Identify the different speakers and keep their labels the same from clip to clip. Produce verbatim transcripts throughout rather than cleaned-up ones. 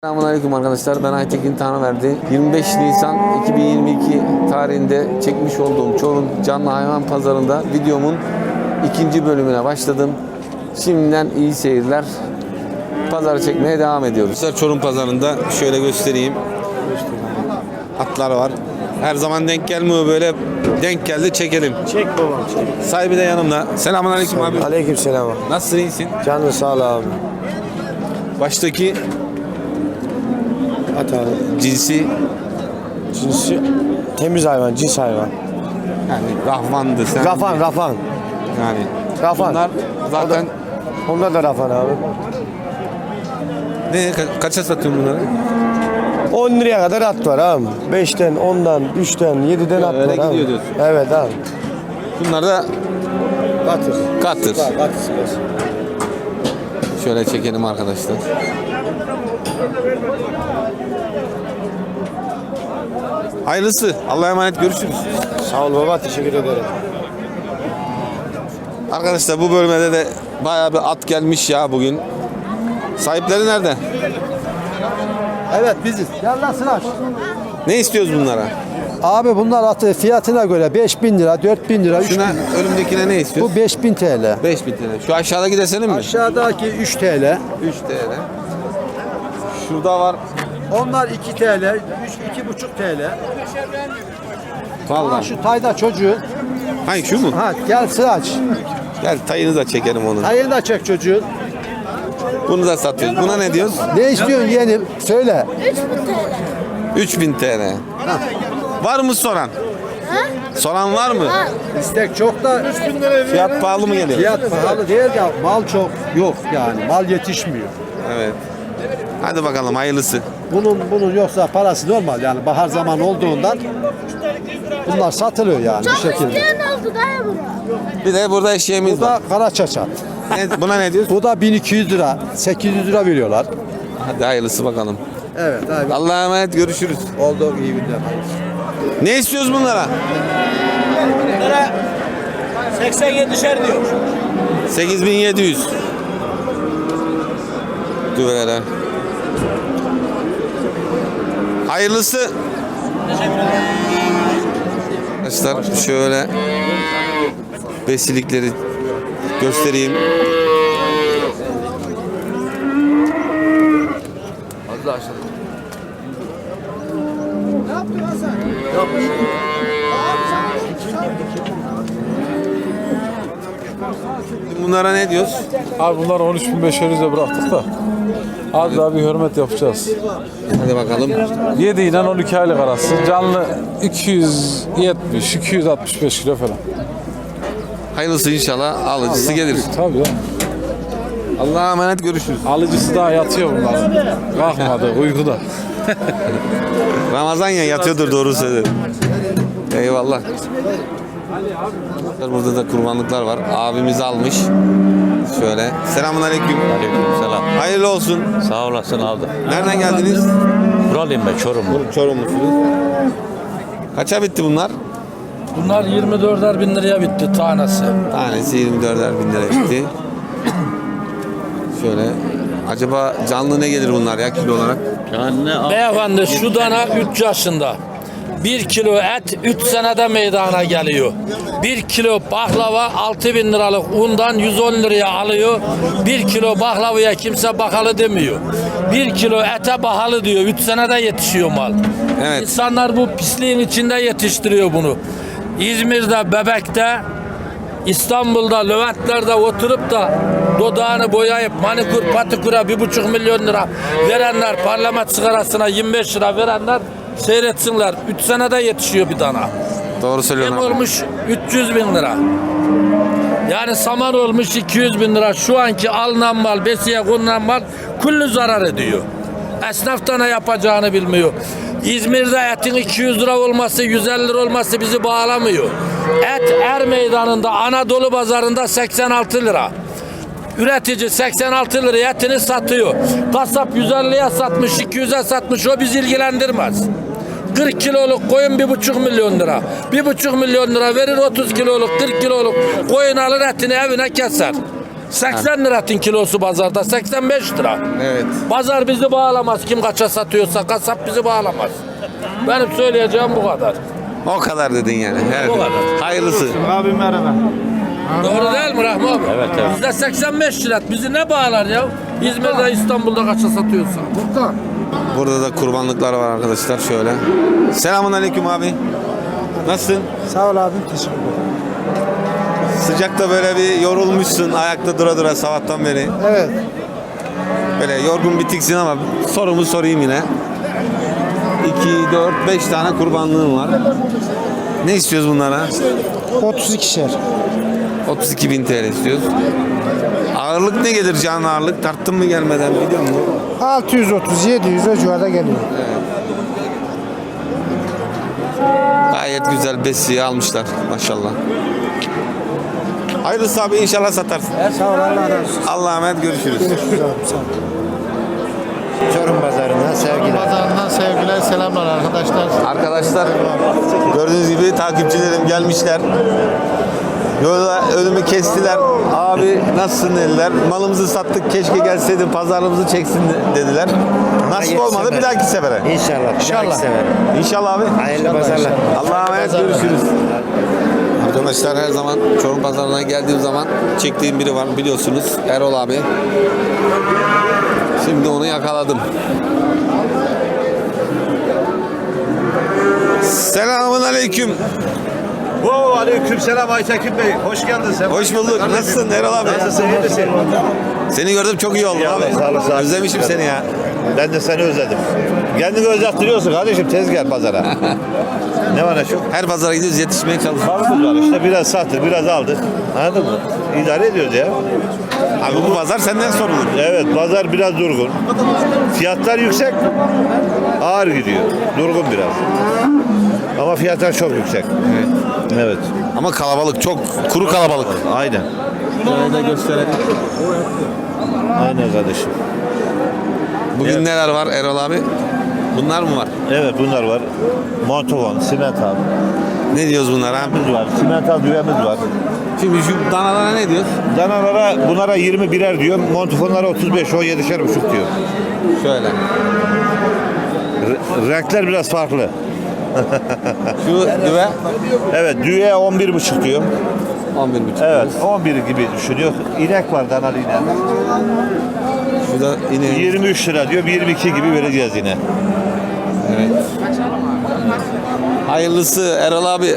Speaker 1: Selamünaleyküm arkadaşlar. Ben Aytekin Tanrıverdi. yirmi beş Nisan iki bin yirmi iki tarihinde çekmiş olduğum Çorum Canlı Hayvan Pazarı'nda videomun ikinci bölümüne başladım. Şimdiden iyi seyirler. Pazarı çekmeye devam ediyoruz. Çorum Pazarı'nda şöyle göstereyim. Atlar var. Her zaman denk gelmiyor böyle. Denk geldi çekelim.
Speaker 2: Çek babam çek.
Speaker 1: Sahibi de yanımda. Selamünaleyküm abi.
Speaker 2: Aleykümselam.
Speaker 1: Nasılsın, iyisin?
Speaker 2: Canlı sağ ol abi.
Speaker 1: Baştaki
Speaker 2: At abi.
Speaker 1: cinsi
Speaker 2: Cinsi temiz hayvan, cins hayvan.
Speaker 1: yani Rahman'dı. Sen
Speaker 2: Rafan, rafan.
Speaker 1: Yani
Speaker 2: Rafan.
Speaker 1: bunlar zaten
Speaker 2: Onlar da rafan abi.
Speaker 1: ne ka- kaça satıyorsun bunları?
Speaker 2: on liraya kadar at var abi. beşten, ondan, üçten, yediden at
Speaker 1: öyle
Speaker 2: var abi.
Speaker 1: gidiyor diyorsun.
Speaker 2: Evet abi.
Speaker 1: Bunlar da
Speaker 2: Katır.
Speaker 1: katır.
Speaker 2: Katır sıkıyorsun.
Speaker 1: Şöyle çekelim arkadaşlar. Hayırlısı. Allah'a emanet, görüşürüz.
Speaker 2: Sağ ol baba, teşekkür ederim.
Speaker 1: Arkadaşlar bu bölmede de bayağı bir at gelmiş ya bugün. Sahipleri nerede?
Speaker 3: Evet biziz. Gel lan Sıraç.
Speaker 1: Ne istiyoruz bunlara?
Speaker 3: Abi bunlar atı fiyatına göre beş bin lira, dört bin lira, üç bin.
Speaker 1: Şuna önümdekine ne istiyoruz?
Speaker 3: Bu beş bin T L.
Speaker 1: beş bin T L. Şu aşağıdaki desenin mi?
Speaker 3: Aşağıdaki üç T L.
Speaker 1: üç T L. Şurada var.
Speaker 3: Onlar iki T L, üç iki buçuk T L. Ha
Speaker 1: Vallahi.
Speaker 3: şu tayda çocuğu.
Speaker 1: Hangi şu mu?
Speaker 3: Ha gel Sıraç.
Speaker 1: Gel tayını da çekelim onu.
Speaker 3: Tayını da çek çocuğun.
Speaker 1: Bunu da satıyoruz. Buna ne diyoruz?
Speaker 3: Ne istiyorsun yeğenim? Söyle.
Speaker 1: üç bin T L. Var mı soran? Soran var mı?
Speaker 3: İstek çok da
Speaker 1: Fiyat pahalı mı geliyor?
Speaker 3: fiyat pahalı değil ya mal çok yok yani mal yetişmiyor.
Speaker 1: Evet. Hadi bakalım hayırlısı.
Speaker 3: Bunun bunun yoksa parası normal yani bahar zaman olduğundan bunlar satılıyor yani bir şekilde.
Speaker 4: İsteyen oldu dayı buna.
Speaker 1: Bir de burada eşeğimiz
Speaker 3: Bu
Speaker 1: var.
Speaker 3: da kara çaçat.
Speaker 1: Ne- buna ne diyoruz?
Speaker 3: Bu da bin iki yüz lira, sekiz yüz lira veriyorlar.
Speaker 1: Hadi hayırlısı bakalım.
Speaker 3: Evet abi.
Speaker 1: Allah'a emanet, görüşürüz.
Speaker 3: Oldu iyi günler.
Speaker 1: Ne istiyoruz bunlara?
Speaker 5: seksen yedişer diyor.
Speaker 1: sekiz bin yedi yüz. Düvelere. Hayırlısı. Arkadaşlar şöyle besilikleri göstereyim. Bunlara ne diyoruz?
Speaker 6: Abi bunlar on üç bin beş yüze bıraktık da az daha bir hürmet yapacağız.
Speaker 1: Hadi bakalım.
Speaker 6: yedi ile on iki aylık arası canlı iki yüz yetmiş iki yüz altmış beş kilo falan.
Speaker 1: Hayırlısı inşallah. Alıcısı gelir.
Speaker 6: Tabii ya.
Speaker 1: Allah'a emanet, görüşürüz.
Speaker 6: Alıcısı daha yatıyor bunların. Kalkmadı uykuda.
Speaker 1: Ramazan ya, yatıyordur, doğru söylüyor. Eyvallah. Burada da kurbanlıklar var. Abimiz almış. Şöyle. Selamünaleyküm.
Speaker 7: Selam.
Speaker 1: Hayırlı olsun.
Speaker 7: Sağ olasın abi.
Speaker 1: Nereden geldiniz?
Speaker 7: Buralıyım ben, Çorumlu.
Speaker 1: Çorumlusunuz. Kaça bitti bunlar?
Speaker 5: Bunlar yirmi dörder bin liraya bitti tanesi.
Speaker 1: Tanesi yirmi dörder bin lira bitti. Şöyle. Acaba canlı ne gelir bunlar ya kilo olarak?
Speaker 7: Yani al.
Speaker 5: Beyefendi şu dana üç yaşında. bir kilo et üç senede meydana geliyor. bir kilo baklava altı bin liralık undan yüz on liraya alıyor. bir kilo baklavaya kimse bakalı demiyor. bir kilo ete pahalı diyor. üç senede yetişiyor mal.
Speaker 1: Evet.
Speaker 5: İnsanlar bu pisliğin içinde yetiştiriyor bunu. İzmir'de, Bebek'te, İstanbul'da, Leventler'de oturup da dodağını boyayıp manikür patiküre bir buçuk milyon lira verenler, parlament sigarasına yirmi beş lira verenler seyretsinler. Üç senede yetişiyor bir dana.
Speaker 1: Doğru
Speaker 5: Yem
Speaker 1: söylüyorsun abi.
Speaker 5: olmuş üç yüz bin lira. Yani saman olmuş iki yüz bin lira. Şu anki alınan mal, besiye konulan mal kullu zarar ediyor. Esnaf da ne yapacağını bilmiyor. İzmir'de etin iki yüz lira olması, yüz elli lira olması bizi bağlamıyor. Et Er Meydanı'nda, Anadolu Pazarı'nda seksen altı lira. Üretici seksen altı liraya etini satıyor. Kasap yüz elliye satmış, iki yüze satmış, o bizi ilgilendirmez. kırk kiloluk koyun bir buçuk milyon lira. Bir buçuk milyon lira verir, otuz kiloluk, kırk kiloluk koyun alır, etini evine keser. seksen lira tin kilosu pazarda, seksen beş lira.
Speaker 1: Evet.
Speaker 5: Pazar bizi bağlamaz. Kim kaça satıyorsa kasap bizi bağlamaz. Benim söyleyeceğim bu kadar.
Speaker 1: O kadar dedin yani. Evet.
Speaker 5: O kadar.
Speaker 1: Hayırlısı.
Speaker 2: Abi merhaba.
Speaker 5: Doğru değil mi Rahmi abi?
Speaker 7: Evet, evet.
Speaker 5: Bizde seksen beş lira. Bizi ne bağlar ya? İzmir'de, İstanbul'da kaça satıyorsa. Muhtar.
Speaker 1: Burada da kurbanlıklar var arkadaşlar şöyle. Selamun aleyküm abi. Nasılsın?
Speaker 2: Sağ ol abim, teşekkür ederim.
Speaker 1: Sıcakta böyle bir yorulmuşsun ayakta dura dura sabahtan beri.
Speaker 2: Evet.
Speaker 1: Böyle yorgun bitiksin ama sorumu sorayım yine. iki, dört, beş tane kurbanlığım var. Ne istiyoruz bunlara?
Speaker 2: otuz ikişer.
Speaker 1: otuz iki bin T L istiyoruz. Ağırlık ne gelir canlı ağırlık? Tarttın mı gelmeden biliyor musun?
Speaker 2: altı yüz otuz yedi yüz o civarda geliyor.
Speaker 1: Gayet güzel besiyi almışlar maşallah. Hayırlısı abi inşallah satarsın.
Speaker 2: Sağ ol, Allah razı olsun.
Speaker 1: Allah'a emanet görüşürüz.
Speaker 2: Görüşürüz abi, sağ ol. Çorum pazarından sevgiler.
Speaker 3: Pazarından sevgiler, selamlar arkadaşlar.
Speaker 1: Arkadaşlar gördüğünüz gibi takipçilerim gelmişler. Yolda önümü kestiler. Abi nasılsın dediler. Malımızı sattık keşke gelseydin pazarımızı çeksin dediler. Nasip olmadı bir dahaki sefere.
Speaker 2: İnşallah. İnşallah.
Speaker 1: İnşallah abi.
Speaker 2: Hayırlı pazarlar.
Speaker 1: Allah'a emanet görüşürüz. Arkadaşlar her zaman Çorum pazarına geldiğim zaman çektiğim biri var biliyorsunuz Erol abi. Şimdi onu yakaladım. Selamun aleyküm.
Speaker 8: Oo, aleykümselam Aytekin Bey. Hoş geldin sen.
Speaker 1: Hoş bulduk. Nasılsın Erol abi?
Speaker 8: Nasılsın? İyi misin?
Speaker 1: Seni gördüm çok iyi oldu
Speaker 8: Ya,
Speaker 1: abi.
Speaker 8: sağ ol, sağ ol.
Speaker 1: Özlemişim seni ya.
Speaker 8: Ben de seni özledim. Kendini özlettiriyorsun kardeşim. Tez gel pazara. Ne var ne çok?
Speaker 1: Her pazara gidiyoruz yetişmeye çalışıyoruz.
Speaker 8: Varımız var işte. Biraz sattık, biraz aldık. Anladın mı? İdare ediyoruz ya.
Speaker 1: Abi bu pazar senden sorulur.
Speaker 8: Evet, pazar biraz durgun. Fiyatlar yüksek. Ağır gidiyor. Durgun biraz. Ama fiyatlar çok yüksek.
Speaker 1: Evet.
Speaker 8: Evet.
Speaker 1: Ama kalabalık çok kuru kalabalık.
Speaker 8: Aynen.
Speaker 1: Şöyle de gösterelim.
Speaker 8: Aynen kardeşim.
Speaker 1: Bugün
Speaker 8: Evet.
Speaker 1: neler var Erol abi? Bunlar mı var?
Speaker 8: Evet, bunlar var. Montovan, simental.
Speaker 1: Ne diyoruz bunlara abi?
Speaker 8: Düğümüz var. Simental düğümüz var.
Speaker 1: Şimdi şu danalara ne diyoruz?
Speaker 8: Danalara bunlara yirmi birer diyor. Montofonlara otuz beş, on yedişer buçuk diyor.
Speaker 1: Şöyle.
Speaker 8: R- renkler biraz farklı.
Speaker 1: Şu düve
Speaker 8: Evet, düğe on bir buçuk diyor.
Speaker 1: on bir buçuk.
Speaker 8: Evet, on bir gibi düşünüyor. İnek var, danalı inek.
Speaker 1: Şu da yine
Speaker 8: yirmi üç lira diyor, yirmi iki gibi vereceğiz yine.
Speaker 1: evet. Hayırlısı Erol abi.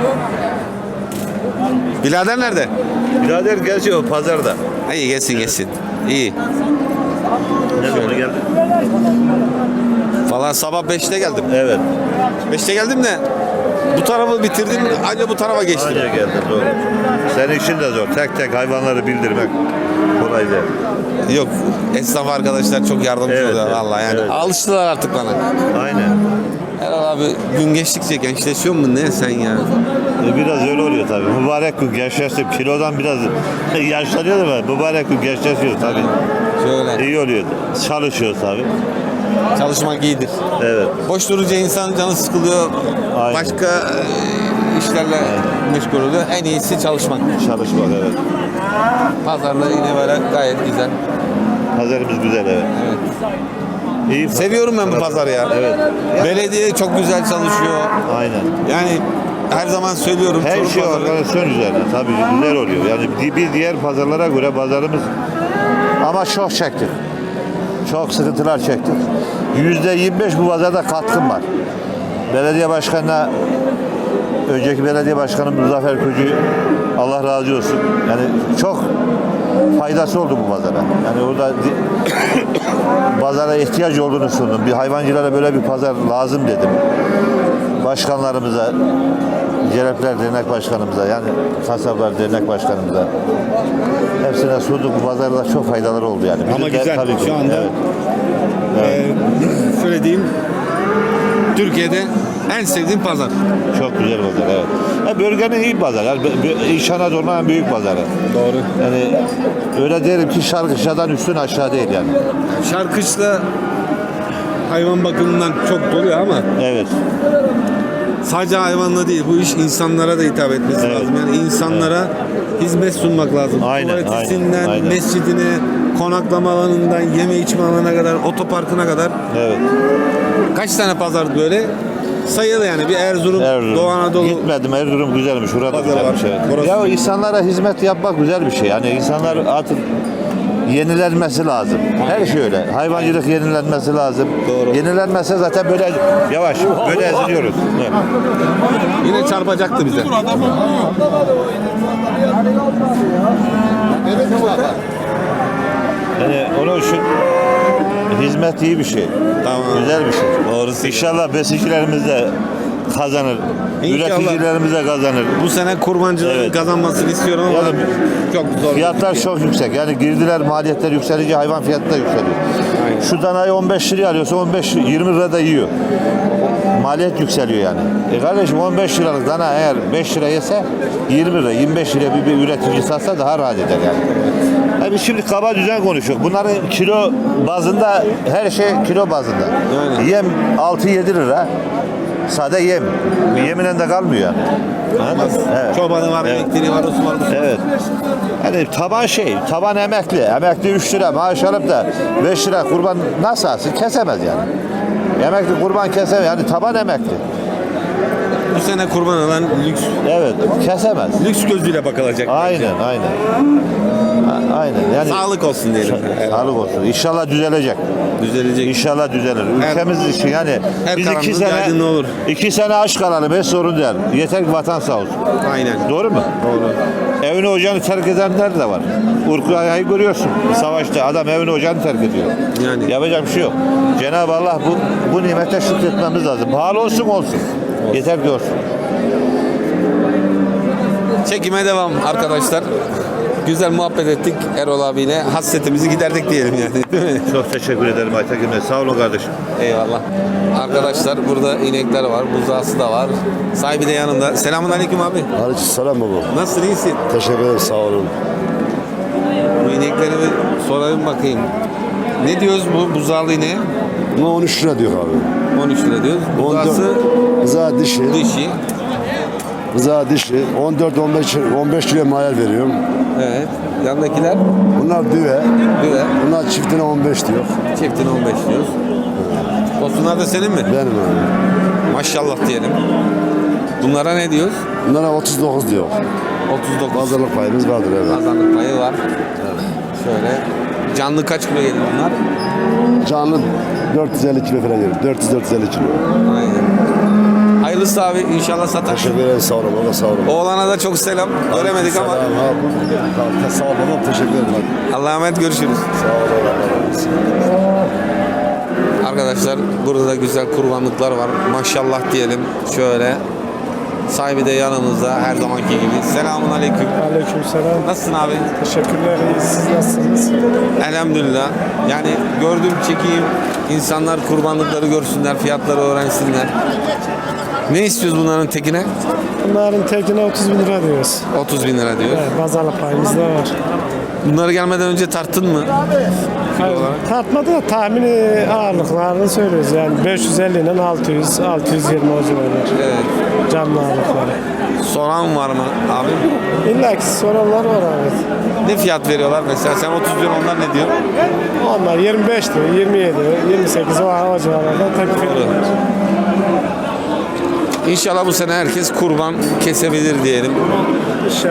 Speaker 1: Birader nerede?
Speaker 8: Birader gerçi o pazarda.
Speaker 1: İyi gelsin gelsin. İyi.
Speaker 8: Ne zaman geldi?
Speaker 1: Valla sabah beşte geldim.
Speaker 8: Evet.
Speaker 1: beşte geldim de bu tarafı bitirdim anca bu tarafa geçtim.
Speaker 8: Anca geldi, doğru. Senin işin de zor. Tek tek hayvanları bildirmek kolay değil.
Speaker 1: Yok esnaf arkadaşlar çok yardımcı
Speaker 8: Evet,
Speaker 1: oluyor
Speaker 8: evet,
Speaker 1: valla yani.
Speaker 8: evet.
Speaker 1: Alıştılar artık bana.
Speaker 8: Aynen.
Speaker 1: Erol abi gün geçtikçe gençleşiyor mu ne sen ya?
Speaker 8: E, Biraz öyle oluyor tabii. Mübarek gün gençleşti. Kilodan biraz yaşlanıyor da mübarek gün gençleşiyor tabii.
Speaker 1: Şöyle
Speaker 8: İyi oluyor. Çalışıyor tabii.
Speaker 1: çalışmak iyidir.
Speaker 8: Evet.
Speaker 1: Boş durunca insan canı sıkılıyor.
Speaker 8: Aynen.
Speaker 1: Başka e, işlerle meşgul oluyor. En iyisi çalışmak.
Speaker 8: Çalışmak, evet.
Speaker 1: Pazarlar yine böyle gayet güzel.
Speaker 8: Pazarımız güzel, evet.
Speaker 1: Evet.
Speaker 8: İyi.
Speaker 1: Seviyorum ben bu pazarı ya.
Speaker 8: Evet.
Speaker 1: Belediye çok güzel çalışıyor.
Speaker 8: Aynen.
Speaker 1: Yani her zaman söylüyorum.
Speaker 8: Her
Speaker 1: Çorum
Speaker 8: şey
Speaker 1: pazarı-
Speaker 8: organizasyon üzerine tabii güzel oluyor. Yani di- bir diğer pazarlara göre pazarımız ama çok çektik. Çok sıkıntılar çektik. Yüzde yirmi beş bu pazarda katkım var. Belediye başkanına önceki belediye başkanımız Zafer Köcü Allah razı olsun. Yani çok faydası oldu bu pazara. Yani orada di- pazara ihtiyaç olduğunu sundum. Bir hayvancılara böyle bir pazar lazım dedim. Başkanlarımıza, Celepler Dernek Başkanımıza, yani Kasaplar Dernek Başkanımıza hepsine sunduk. Bu pazarda çok faydaları oldu yani.
Speaker 9: Ama
Speaker 8: Bir de
Speaker 9: güzel,
Speaker 8: tabii ki,
Speaker 9: şu anda-
Speaker 8: evet.
Speaker 9: Ee, şöyle diyeyim. Türkiye'de en sevdiğim pazar.
Speaker 8: Çok güzel pazar, evet. Ya bölgenin iyi pazarı. Yani bö- bö- İç Anadolu'nun en büyük pazarı.
Speaker 9: Doğru.
Speaker 8: Yani öyle derim ki Şarkışla'dan üstün aşağı değil yani.
Speaker 9: Şarkışla hayvan bakımından çok doluyor ama
Speaker 8: Evet.
Speaker 9: sadece hayvanla değil, bu iş insanlara da hitap etmesi
Speaker 8: Evet.
Speaker 9: lazım. Yani insanlara hizmet sunmak lazım.
Speaker 8: Aynen,
Speaker 9: Tuvaletinden,
Speaker 8: aynen, aynen.
Speaker 9: mescidine, konaklama alanından, yeme içme alanına kadar, otoparkına kadar.
Speaker 8: Evet.
Speaker 9: Kaç tane pazar böyle? Sayılı yani. Bir Erzurum,
Speaker 8: Erzurum.
Speaker 9: Doğu Anadolu.
Speaker 8: Gitmedim. Erzurum güzelmiş. Orada
Speaker 9: Pazar
Speaker 8: güzelmiş.
Speaker 9: var.
Speaker 8: Evet.
Speaker 9: Burası-
Speaker 8: Ya insanlara hizmet yapmak güzel bir şey. Yani insanlar artık yenilenmesi lazım. Her şey öyle. Hayvancılık yenilenmesi lazım.
Speaker 9: Doğru.
Speaker 8: Yenilenmezse zaten böyle yavaş böyle eziliyoruz. Evet.
Speaker 9: Yine çarpacaktı bize.
Speaker 8: Yani onun için hizmet iyi bir şey.
Speaker 9: Tamam.
Speaker 8: Güzel bir şey.
Speaker 9: Doğrusu.
Speaker 8: İnşallah besicilerimiz de kazanır.
Speaker 9: İnşallah.
Speaker 8: Üreticilerimiz de kazanır.
Speaker 9: Bu sene kurbancıların
Speaker 8: Evet.
Speaker 9: kazanmasını istiyorum ama
Speaker 8: Yani
Speaker 9: çok zor.
Speaker 8: Fiyatlar çok yüksek. Yani girdiler, maliyetler yükselince hayvan fiyatı da yükseliyor.
Speaker 9: Aynen.
Speaker 8: Şu danayı on beş liraya alıyorsa on beş yirmi lirada yiyor. Maliyet yükseliyor yani. E kardeşim on beş liralık dana eğer beş lira yese yirmi lira, yirmi beş liraya bir, bir üretici satsa daha rahat eder yani. Yani biz şimdi kaba düzen konuşuyoruz. Bunların kilo bazında her şey kilo bazında.
Speaker 9: Aynen.
Speaker 8: Yem altı yedi lira. Sade yem. Yeminen de kalmıyor yani. Anladın mı? Evet.
Speaker 9: Çobanı var,
Speaker 8: Evet.
Speaker 9: elektriği var, osu var. busu var.
Speaker 8: Evet. Yani taban şey, taban emekli. Emekli üç lira maaş alıp da beş lira kurban nasıl alsın? Kesemez yani. Emekli kurban kesemez. Yani taban emekli.
Speaker 9: Bu sene kurban alan lüks
Speaker 8: Evet, kesemez.
Speaker 9: lüks gözüyle bakılacak.
Speaker 8: Aynen, aynen. A- Aynen. Yani
Speaker 9: Sağlık olsun diyelim. Evet.
Speaker 8: sağlık olsun. İnşallah düzelecek.
Speaker 9: Düzelecek.
Speaker 8: İnşallah düzelir.
Speaker 9: Her-
Speaker 8: Ülkemiz için yani
Speaker 9: her
Speaker 8: biz iki
Speaker 9: karanlığın
Speaker 8: sene
Speaker 9: aydınlığı olur.
Speaker 8: iki sene aç kalalım hiç sorun değil. Yeter ki vatan sağ olsun.
Speaker 9: Aynen.
Speaker 8: Doğru mu?
Speaker 9: Doğru.
Speaker 8: Evini ocağını terk edenler de var. Urkaya'yı görüyorsun. Savaşta adam evini ocağını terk ediyor.
Speaker 9: Yani.
Speaker 8: Yapacak bir şey yok. Cenab-ı Allah bu bu nimete şükretmemiz lazım. Pahalı olsun olsun. Yeter ki olsun.
Speaker 1: Çekime devam arkadaşlar. Güzel muhabbet ettik Erol abiyle. Hasretimizi giderdik diyelim yani. Değil mi?
Speaker 8: Çok teşekkür ederim Aytekin Bey. Sağ olun kardeşim.
Speaker 1: Eyvallah. Arkadaşlar burada inekler var. Buzağısı da var. Sahibi de yanında. Selamun aleyküm abi.
Speaker 2: Aleykümselam baba.
Speaker 1: Nasılsın? İyisin?
Speaker 2: Teşekkür ederim sağ olun.
Speaker 1: Bu inekleri bir sorayım bakayım. Ne diyoruz bu buzağlı ineğe?
Speaker 2: Buna on üç lira diyor abi.
Speaker 1: on üç lira diyoruz. Buzağısı
Speaker 2: Rıza dişi.
Speaker 1: dişi.
Speaker 2: Rıza dişi. on dört on beş on beş liraya mayal veriyorum.
Speaker 1: Evet. Yandakiler
Speaker 2: Bunlar düve.
Speaker 1: düve.
Speaker 2: Bunlar çiftine on beş diyor.
Speaker 1: Çiftine on beş diyoruz. Tosunlar da senin mi?
Speaker 2: Benim abi.
Speaker 1: Maşallah diyelim. Bunlara ne diyoruz?
Speaker 2: Bunlara otuz dokuz diyor.
Speaker 1: otuz dokuz.
Speaker 2: Pazarlık payımız vardır evet.
Speaker 1: Pazarlık payı var. Şöyle. Canlı kaç kilo gelir bunlar?
Speaker 2: Canlı dört yüz elli kilo falan gelir. dört yüz dört yüz elli kilo.
Speaker 1: Aynen. Hayırlısı abi inşallah satar.
Speaker 2: Teşekkür ederim sağ olun baba sağ olun.
Speaker 1: Oğlana da çok selam. Göremedik ama.
Speaker 2: Selam abi. Sağ ol baba teşekkür ederim.
Speaker 1: Allah'a emanet görüşürüz.
Speaker 2: Sağ ol Allah razı olsun.
Speaker 1: Arkadaşlar burada da güzel kurbanlıklar var. Maşallah diyelim. Şöyle. Sahibi de yanımızda her zamanki gibi. Selamun aleyküm.
Speaker 10: Aleykümselam.
Speaker 1: Nasılsın abi?
Speaker 10: Teşekkürler. İyi. Siz nasılsınız?
Speaker 1: Elhamdülillah. Yani gördüğüm çekeyim. İnsanlar kurbanlıkları görsünler, fiyatları öğrensinler. Ne istiyoruz bunların tekine?
Speaker 10: Bunların tekine otuz bin lira diyoruz.
Speaker 1: otuz bin lira diyor.
Speaker 10: Evet, pazarlık payımız da var.
Speaker 1: Bunları gelmeden önce tarttın mı?
Speaker 10: Hayır, tartmadı da tahmini ağırlıklarını söylüyoruz. Yani beş yüz elli ile altı yüz, altı yüz yirmi o civarlar.
Speaker 1: Evet.
Speaker 10: Canlı ağırlıkları.
Speaker 1: Soran var mı abi?
Speaker 10: İlla ki soranlar var evet.
Speaker 1: Ne fiyat veriyorlar mesela? Sen otuz diyor, onlar ne diyor?
Speaker 10: Onlar yirmi beş diyor, yirmi yedi, yirmi sekiz o, o civarlarda teklif ediyorlar.
Speaker 1: İnşallah bu sene herkes kurban kesebilir diyelim.
Speaker 10: İnşallah.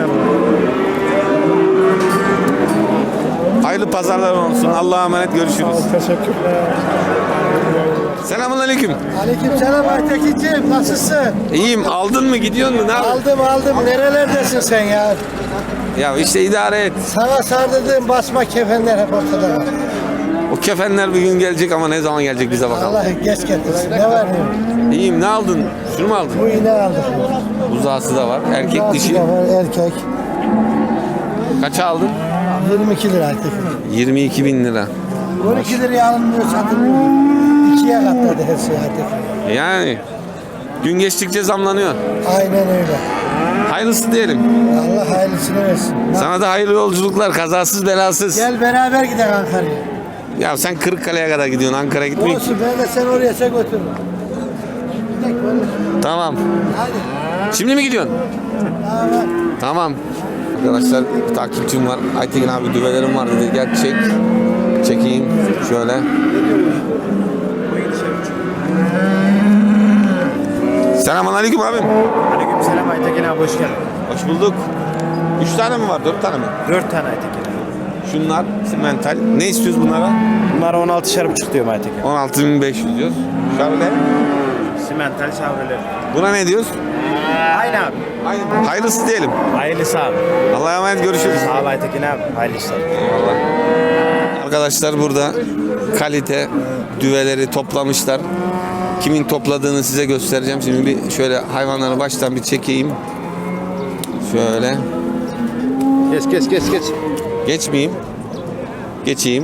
Speaker 1: Hayırlı pazarlar olsun. Allah'a emanet görüşürüz.
Speaker 10: Teşekkürler.
Speaker 1: Selamun aleyküm.
Speaker 11: Aleykümselam Aytekin'ciğim nasılsın?
Speaker 1: İyiyim. Aldın mı? Gidiyor mu? Ne yapıyorsun?
Speaker 11: Aldım aldım. Nerelerdesin sen ya?
Speaker 1: Ya işte idare et.
Speaker 11: Sana sardırdığım basma kefenler hep ortada var.
Speaker 1: O kefenler bir gün gelecek ama ne zaman gelecek bize bakalım.
Speaker 11: Allah geç getirsin. Ne var ne?
Speaker 1: İyiyim. Ne aldın? Şunu mu aldın?
Speaker 11: Bu iğne aldık.
Speaker 1: Buzağısı da var. Erkek
Speaker 11: Bazı
Speaker 1: dişi.
Speaker 11: da var, erkek.
Speaker 1: Kaça aldın?
Speaker 11: yirmi iki lira Aytekin.
Speaker 1: yirmi iki bin lira.
Speaker 11: on iki liraya alınmıyor satılmıyor. İkiye katladı her şey Aytekin.
Speaker 1: Yani gün geçtikçe zamlanıyor.
Speaker 11: Aynen öyle.
Speaker 1: Hayırlısı diyelim.
Speaker 11: Allah hayırlısını versin.
Speaker 1: Sana da hayırlı yolculuklar. Kazasız belasız.
Speaker 11: Gel beraber gidelim Ankara'ya.
Speaker 1: Ya sen Kırıkkale'ye kadar gidiyorsun. Ankara'ya gitmiyor ki.
Speaker 11: Olsun ben de sen oraya sen götürürüm. Gidelim böyle.
Speaker 1: Tamam. Şimdi mi gidiyorsun? Tamam. Arkadaşlar bir takipçim var. Aytekin abi düvelerim var dedi. Gel çek. Çekeyim. Şöyle. Selamünaleyküm abim.
Speaker 2: Aleykümselam Aytekin abi, hoş geldin.
Speaker 1: Hoş bulduk. Üç tane mi var? Dört tane mi?
Speaker 2: Dört tane Aytekin abi.
Speaker 1: Şunlar simental. Ne istiyoruz bunlara?
Speaker 2: Bunlara on altışar buçuk diyorum Aytekin.
Speaker 1: on altı bin beş yüz diyoruz. Şöyle.
Speaker 2: Simental şavreler.
Speaker 1: Buna ne diyoruz?
Speaker 2: Aynı abi.
Speaker 1: Aynı. Hayırlısı diyelim.
Speaker 2: Hayırlısı abi.
Speaker 1: Allah'a emanet, görüşürüz.
Speaker 2: Sağ ol Aytekin abi. Hayırlı işler.
Speaker 1: Eyvallah. Arkadaşlar burada kalite düveleri toplamışlar. Kimin topladığını size göstereceğim. Şimdi bir şöyle hayvanları baştan bir çekeyim. Şöyle.
Speaker 3: Geç geç geç geç.
Speaker 1: Geçmeyeyim. Geçeyim.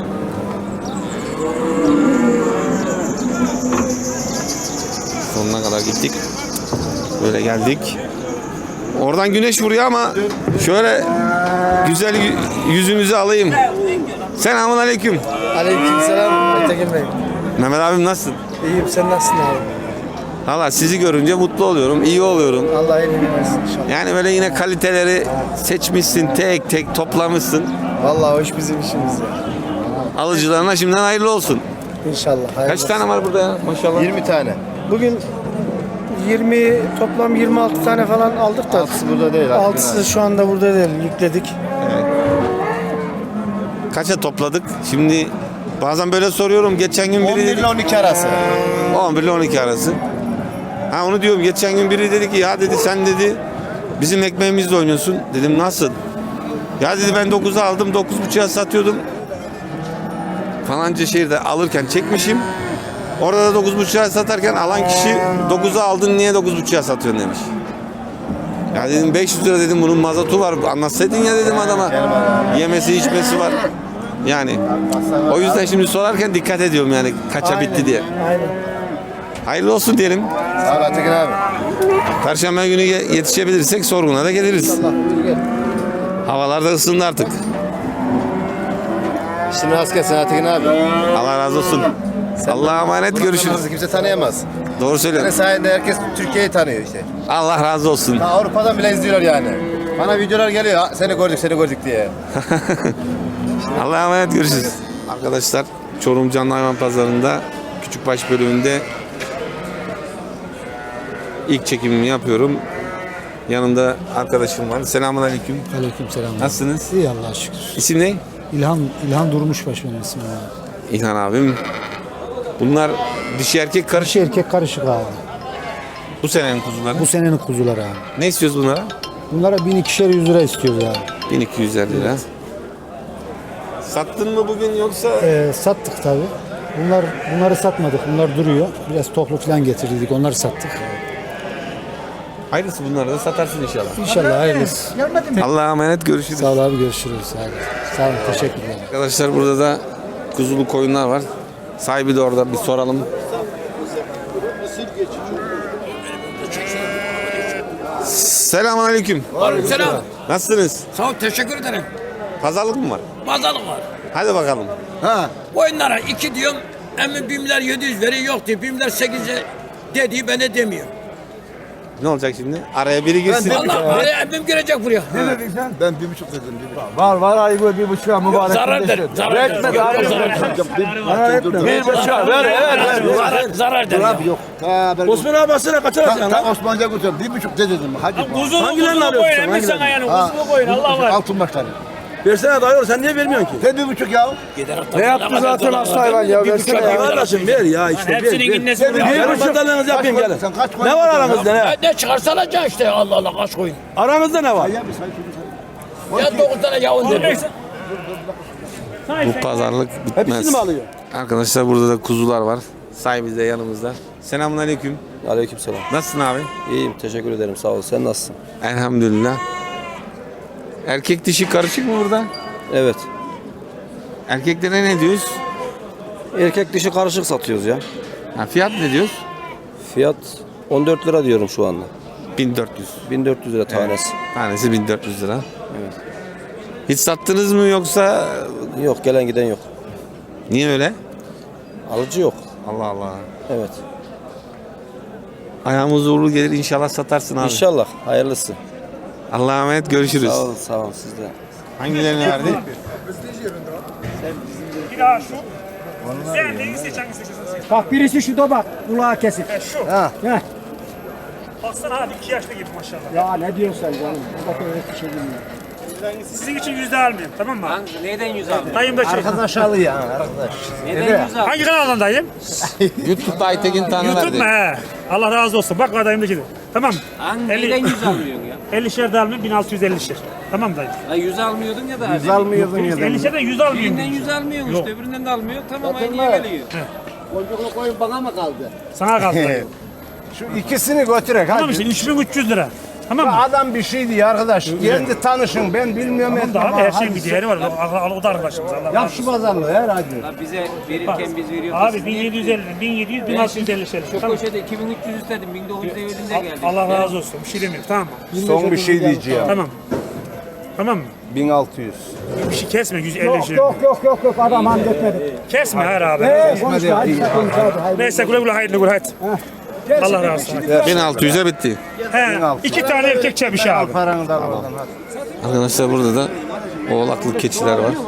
Speaker 1: Sonuna kadar gittik. Böyle geldik. Oradan güneş vuruyor ama şöyle güzel yü- yüzümüzü alayım. Selamun aleyküm.
Speaker 11: Aleykümselam Aytekin Bey.
Speaker 1: Mehmet abim nasılsın?
Speaker 11: İyiyim, sen nasılsın abi?
Speaker 1: Valla sizi görünce mutlu oluyorum, iyi oluyorum.
Speaker 11: Allah iyiliğini versin inşallah.
Speaker 1: Yani böyle yine kaliteleri seçmişsin, tek tek toplamışsın.
Speaker 11: Vallahi hoş bizim işimiz ya.
Speaker 1: Alıcılarına şimdiden hayırlı olsun.
Speaker 11: İnşallah. hayırlı
Speaker 1: Kaç tane var burada ya maşallah?
Speaker 2: yirmi tane.
Speaker 11: Bugün yirmi toplam yirmi altı tane falan aldık da.
Speaker 2: Altısı burada değil.
Speaker 11: Altısı şu anda burada değil, yükledik.
Speaker 1: Kaça topladık? Şimdi bazen böyle soruyorum. Geçen gün
Speaker 2: on
Speaker 1: biri
Speaker 2: bir
Speaker 1: dedi
Speaker 2: ile on iki arası.
Speaker 1: on bir ile on iki arası. Ha onu diyorum. Geçen gün biri dedi ki ya dedi sen dedi bizim ekmeğimizle oynuyorsun. Dedim nasıl? Ya dedi ben dokuza aldım, dokuz buçuğa satıyordum. Falanca şehirde alırken çekmişim. Orada da dokuz buçuğa satarken alan kişi dokuza aldın niye dokuz buçuğa satıyorsun demiş. Ya dedim beş yüz lira dedim bunun mazotu var. Anlatsaydın ya dedim adama. Yemesi içmesi var. Yani o yüzden şimdi sorarken dikkat ediyorum yani kaça bitti diye.
Speaker 11: Aynen.
Speaker 1: Hayırlı olsun diyelim.
Speaker 2: Sağ ol Aytekin abi.
Speaker 1: Perşembe günü ye- yetişebilirsek sorguna da geliriz. Havalar da ısındı artık.
Speaker 2: Şimdi rast gelsin Aytekin abi.
Speaker 1: Allah razı olsun. Allah'a emanet, görüşürüz.
Speaker 2: Kimse tanıyamaz.
Speaker 1: Doğru
Speaker 2: Senin
Speaker 1: söylüyorsun.
Speaker 2: sayende herkes Türkiye'yi tanıyor işte.
Speaker 1: Allah razı olsun.
Speaker 2: Ta Avrupa'dan bile izliyorlar yani. Bana videolar geliyor. "Ha, Seni gördük, seni gördük" diye.
Speaker 1: Allah'a emanet, görüşürüz. Arkadaşlar Çorum Canlı Hayvan Pazarı'nda Küçükbaş bölümünde ilk çekimimi yapıyorum. Yanımda arkadaşım var. Selamünaleyküm.
Speaker 11: Aleykümselam.
Speaker 1: Nasılsınız?
Speaker 11: İyi Allah'a şükür.
Speaker 1: İsim ne?
Speaker 11: İlhan, İlhan Durmuşbaş benim ismim abi.
Speaker 1: İlhan abim. Bunlar dişi erkek karışık.
Speaker 11: Dişi erkek karışık abi.
Speaker 1: Bu senenin kuzuları.
Speaker 11: Bu senenin kuzuları abi.
Speaker 1: Ne istiyoruz bunlara?
Speaker 11: Bunlara bin ikişer yüz lira istiyoruz abi.
Speaker 1: bin iki yüz elli lira. Sattın mı bugün yoksa?
Speaker 11: Ee, sattık tabi. Bunlar bunları satmadık. Bunlar duruyor. Biraz toplu falan getirdik. Onları sattık.
Speaker 1: Hayırlısı bunları da satarsın inşallah.
Speaker 11: İnşallah hayırlısı.
Speaker 1: Allah'a emanet, görüşürüz.
Speaker 11: Sağ ol abi, görüşürüz. Sağ olun. Sağ olun, teşekkürler.
Speaker 1: Arkadaşlar burada da kuzulu koyunlar var. Sahibi de orada, bir soralım. Selamünaleyküm.
Speaker 5: Selam.
Speaker 1: Nasılsınız?
Speaker 5: Sağ ol, teşekkür ederim.
Speaker 1: Pazarlık mı var?
Speaker 5: Pazarlık var.
Speaker 1: Hadi bakalım.
Speaker 5: Oyunlara iki diyorum. Emin bimler yedi yüz veriyor, yok diyor. Bimler sekize dediği bana demiyor.
Speaker 1: Ne olacak şimdi? Araya biri girsin.
Speaker 5: Allah araya emmim girecek buraya.
Speaker 3: Ben bir buçuk dedim.
Speaker 2: Var var ayı bir buçuğa mübarek.
Speaker 5: Zarar der. Zarar der. Zarar der.
Speaker 2: Bir buçuğa ver ver ver.
Speaker 5: Zarar, zarar der. ya.
Speaker 3: Yok. Ha, ben
Speaker 2: Osman abi basına kaç alacaksın lan?
Speaker 3: Osmanlıca kurtardım. Bir buçuk de dedim. Hadi.
Speaker 5: Kuzulu
Speaker 2: Hangilerini
Speaker 5: kuzulu
Speaker 2: arıyorsun
Speaker 5: koyun.
Speaker 2: sen,
Speaker 5: Emmi sana yani
Speaker 3: Ha.
Speaker 5: kuzulu koyun. Allah var.
Speaker 3: Altın başları.
Speaker 2: Versene dayı, sen niye vermiyorsun ki?
Speaker 3: Sen bir buçuk ya.
Speaker 2: Ne yaptı zaten hasta hayvan ya, versene ya. Kardeşim ver ya işte ver.
Speaker 5: Hepsinin innesi
Speaker 2: Bir
Speaker 5: burada.
Speaker 2: buçuk yapayım gelin.
Speaker 3: Sen kaç koydun?
Speaker 2: Ne var aranızda ne?
Speaker 5: Ne çıkarsa alacaksın işte. Allah Allah kaç koyun.
Speaker 2: Aranızda ne var?
Speaker 5: Ya dokuz tane yavun dedi.
Speaker 1: Bu pazarlık bitmez.
Speaker 2: Hepsini mi alıyor?
Speaker 1: Arkadaşlar burada da kuzular var. Sahibi de yanımızda. Selamünaleyküm.
Speaker 2: Aleykümselam.
Speaker 1: Nasılsın abi?
Speaker 2: İyiyim, teşekkür ederim, sağ ol. Sen nasılsın?
Speaker 1: Elhamdülillah. Erkek dişi karışık mı burada?
Speaker 2: Evet.
Speaker 1: Erkeklere ne diyoruz?
Speaker 2: Erkek dişi karışık satıyoruz ya.
Speaker 1: Ha, fiyat ne diyoruz?
Speaker 2: Fiyat on dört lira diyorum şu anda.
Speaker 1: bin dört yüz.
Speaker 2: bin dört yüz lira tanesi.
Speaker 1: Tanesi bin dört yüz lira. Hiç sattınız mı yoksa
Speaker 2: Yok, gelen giden yok.
Speaker 1: niye öyle?
Speaker 2: Alıcı yok.
Speaker 1: Allah Allah.
Speaker 2: Evet.
Speaker 1: Ayağımız uğurlu gelir inşallah satarsın abi.
Speaker 2: İnşallah. Hayırlısı.
Speaker 1: Allah'a emanet görüşürüz.
Speaker 2: Sağ olun, sağ olun siz de.
Speaker 1: Hangilerini verdi?
Speaker 10: Bak birisi şu da bak. Kulağı kesik.
Speaker 3: Şu.
Speaker 10: Ha. Heh.
Speaker 3: Baksana abi iki yaşlı gibi maşallah.
Speaker 10: Ya ne diyorsun sen canım? Bak öyle bir şey bilmiyorum.
Speaker 3: Sizin için yüzde almayayım tamam mı?
Speaker 5: Neyden yüz aldın?
Speaker 3: Dayım da şey.
Speaker 2: Arkadaş alıyor arkadaş.
Speaker 5: Neyden yüz aldın?
Speaker 3: Hangi kanaldan dayım?
Speaker 1: YouTube'da Aytekin Tanrı
Speaker 3: YouTube
Speaker 1: verdi.
Speaker 3: mu he? Allah razı olsun. Bak dayım da gibi. Tamam.
Speaker 5: Hangi
Speaker 3: elli
Speaker 5: neyden yüz almıyorsun ya?
Speaker 3: elli şer de almayayım bin altı yüz elli şer. Tamam dayım.
Speaker 5: Ha, yüz almıyordun ya da.
Speaker 2: Yüz almıyordun ya da.
Speaker 3: elli şerden yüz almayayım.
Speaker 5: Birinden yüz almıyorsun
Speaker 3: Yok.
Speaker 5: işte, öbüründen de almıyor. Tamam aynı geliyor.
Speaker 10: Boncuklu koyun bana mı kaldı?
Speaker 3: Sana kaldı dayım.
Speaker 2: Şu ikisini götürek
Speaker 3: Tamam
Speaker 2: hadi.
Speaker 3: işte üç bin üç yüz lira. Tamam mı?
Speaker 2: Adam bir şey diyor arkadaş. Kendi tanışın ben bilmiyorum.
Speaker 3: Tamam da abi her şeyin bir değeri var. Al, al, o da arkadaşımız. Allah razı
Speaker 2: Yap
Speaker 3: olsun.
Speaker 2: şu pazarlığı her hadi.
Speaker 5: La bize verirken biz veriyoruz.
Speaker 3: Abi bin yedi yüz elli, bin yedi yüz, bin
Speaker 5: Ben
Speaker 3: altı yüz elli
Speaker 5: şimdi
Speaker 3: şer.
Speaker 5: şu
Speaker 3: Tamam.
Speaker 5: köşede iki bin üç yüz istedim. bin dokuz yüz elli'de geldi.
Speaker 3: Allah razı olsun. Bir şey demiyorum. Tamam mı?
Speaker 2: Son bir şey diyeceğim.
Speaker 3: Tamam. Tamam mı?
Speaker 2: bin altı yüz.
Speaker 3: Bir şey kesme yüz elli
Speaker 10: Yok
Speaker 3: şey.
Speaker 10: yok yok yok yok adam halletmedi.
Speaker 3: Kesme her abi.
Speaker 10: Hey konuşma hadi sakın hadi hadi.
Speaker 3: Neyse güle güle hayırlı güle hadi. Allah razı olsun.
Speaker 1: bin altı yüze bitti.
Speaker 3: He, iki tane erkek çemiş
Speaker 2: Al
Speaker 3: abi.
Speaker 2: paranı da al oradan hadi.
Speaker 1: Arkadaşlar burada da oğlaklı keçiler var.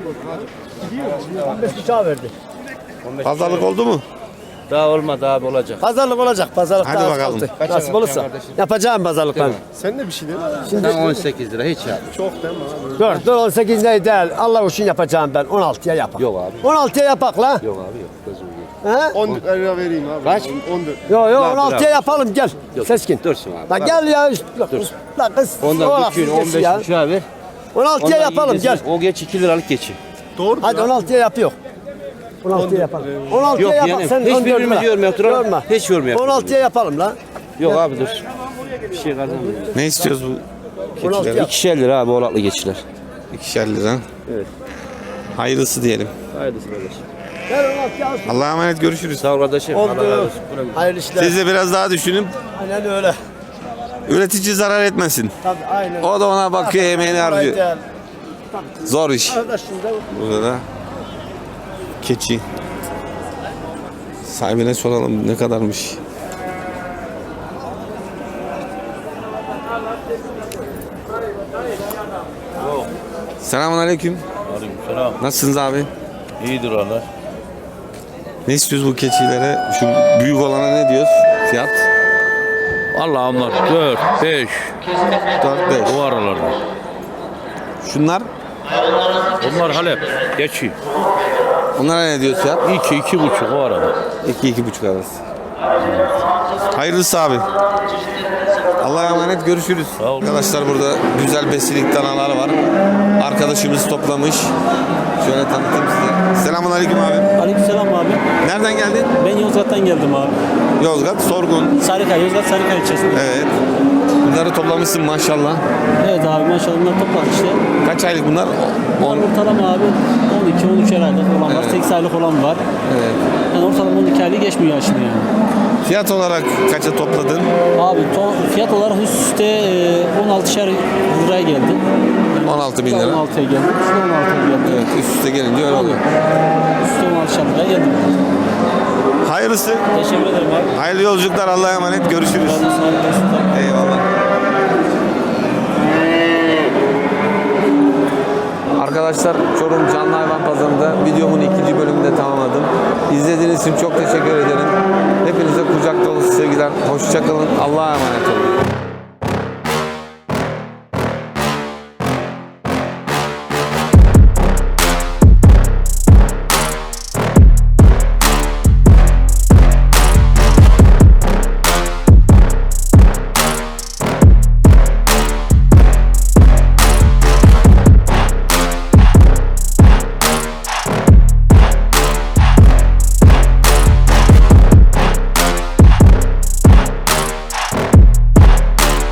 Speaker 10: on beş bıçağı verdi.
Speaker 1: Pazarlık oldu mu?
Speaker 2: Daha olmadı abi olacak.
Speaker 11: Pazarlık olacak. Pazarlık
Speaker 1: Hadi
Speaker 11: daha
Speaker 1: bakalım.
Speaker 11: altı. Nasip olursa. Yapacağım pazarlık ben.
Speaker 2: Sen de bir şey değil mi? on sekiz lira hiç ya.
Speaker 11: Dur dur on sekiz ne değil. Allah için yapacağım ben. on altıya yapak.
Speaker 2: Yok abi.
Speaker 11: on altıya yapak la.
Speaker 2: Yok abi yok.
Speaker 11: He?
Speaker 2: on lira vereyim abi. Kaç? on dört.
Speaker 11: Yok yok
Speaker 2: Lan,
Speaker 11: on altıya
Speaker 2: dur abi.
Speaker 11: yapalım gel. Seskin.
Speaker 2: Dursun abi.
Speaker 11: La gel ya. La kız.
Speaker 2: Ondan bütün on beş
Speaker 11: ya.
Speaker 2: buçuğa ver.
Speaker 11: on altıya yapalım gel.
Speaker 2: O geç iki liralık geçi. Doğru.
Speaker 11: Hadi on altıya yapıyor. on altıya yapalım. on altıya
Speaker 2: Yok
Speaker 11: yapak
Speaker 2: yani,
Speaker 11: sen
Speaker 2: hiç
Speaker 11: on dört
Speaker 2: birbirimizi
Speaker 11: lira.
Speaker 2: yormuyor, oturalım.
Speaker 11: Yorma.
Speaker 2: Hiç yormuyor.
Speaker 11: on altıya yapalım la.
Speaker 2: Yok abi dur. Bir şey kazanmıyor.
Speaker 1: Ne istiyoruz bu
Speaker 11: on altıya
Speaker 1: keçileri?
Speaker 2: İkişer lira abi oğlaklı geçiler.
Speaker 1: İkişer lira.
Speaker 2: Evet.
Speaker 1: Hayırlısı diyelim.
Speaker 2: Hayırlısı kardeşim.
Speaker 11: Gel on altıya al.
Speaker 1: Allah'a emanet görüşürüz.
Speaker 2: Sağ ol kardeşim. Allah razı
Speaker 11: Oldu.
Speaker 2: olsun.
Speaker 11: Hayırlı işler.
Speaker 1: Siz de biraz daha düşünün.
Speaker 11: Aynen öyle.
Speaker 1: Üretici zarar etmesin.
Speaker 11: Tabii aynen.
Speaker 1: O da ona bakıyor, emeğini harcıyor.
Speaker 11: Aynen.
Speaker 1: Zor iş.
Speaker 11: Arkadaşım da
Speaker 1: Burada da keçi. Sahibine soralım ne kadarmış. Selamun aleyküm.
Speaker 7: Selam.
Speaker 1: Nasılsınız abi?
Speaker 7: İyidir Allah.
Speaker 1: Ne istiyoruz bu keçilere? Şu büyük olana ne diyoruz? Fiyat?
Speaker 7: Allah onlar dört, beş
Speaker 1: dört beş.
Speaker 7: o aralarda.
Speaker 1: Şunlar?
Speaker 7: Onlar Halep. Geçi.
Speaker 1: Onlara ne diyoruz fiyat?
Speaker 7: iki, iki buçuk o arada.
Speaker 1: iki iki buçuk arası. Hayırlısı abi. Allah'a emanet görüşürüz.
Speaker 7: ol.
Speaker 1: Arkadaşlar burada güzel besilik danalar var. Arkadaşımız toplamış. Şöyle tanıtayım size. Selamun aleyküm abi.
Speaker 10: Aleykümselam abi.
Speaker 1: Nereden geldin?
Speaker 10: Ben Yozgat'tan geldim abi.
Speaker 1: Yozgat, Sorgun.
Speaker 10: Sarıkaya, Yozgat Sarıkaya ilçesinde.
Speaker 1: Evet. Bunları toplamışsın maşallah.
Speaker 10: Evet abi maşallah bunlar topladık işte.
Speaker 1: Kaç aylık bunlar? on.
Speaker 10: Ortalama abi on iki on üç aylık olan var,
Speaker 1: Evet.
Speaker 10: sekiz aylık olan var.
Speaker 1: Evet.
Speaker 10: Yani ortalama on iki aylık geçmiyor yaşını yani.
Speaker 1: Fiyat olarak kaça topladın?
Speaker 10: Abi to, fiyat olarak üst üste e, on altışar liraya geldi.
Speaker 1: on altı bin lira.
Speaker 10: on altıya geldi. Üstüne on altıya geldi.
Speaker 1: Evet, üst üste gelince öyle oluyor.
Speaker 10: Üstüne on altışar liraya geldi.
Speaker 1: Hayırlısı.
Speaker 10: Teşekkür ederim abi.
Speaker 1: Hayırlı yolculuklar. Allah'a emanet. Görüşürüz.
Speaker 10: Sağ olun.
Speaker 1: Eyvallah. Arkadaşlar Çorum Canlı Hayvan Pazarı'nda videomun ikinci bölümünde tamamladım. İzlediğiniz için çok teşekkür ederim. Hepinize kucak dolusu sevgiler. Hoşça kalın. Allah'a emanet olun.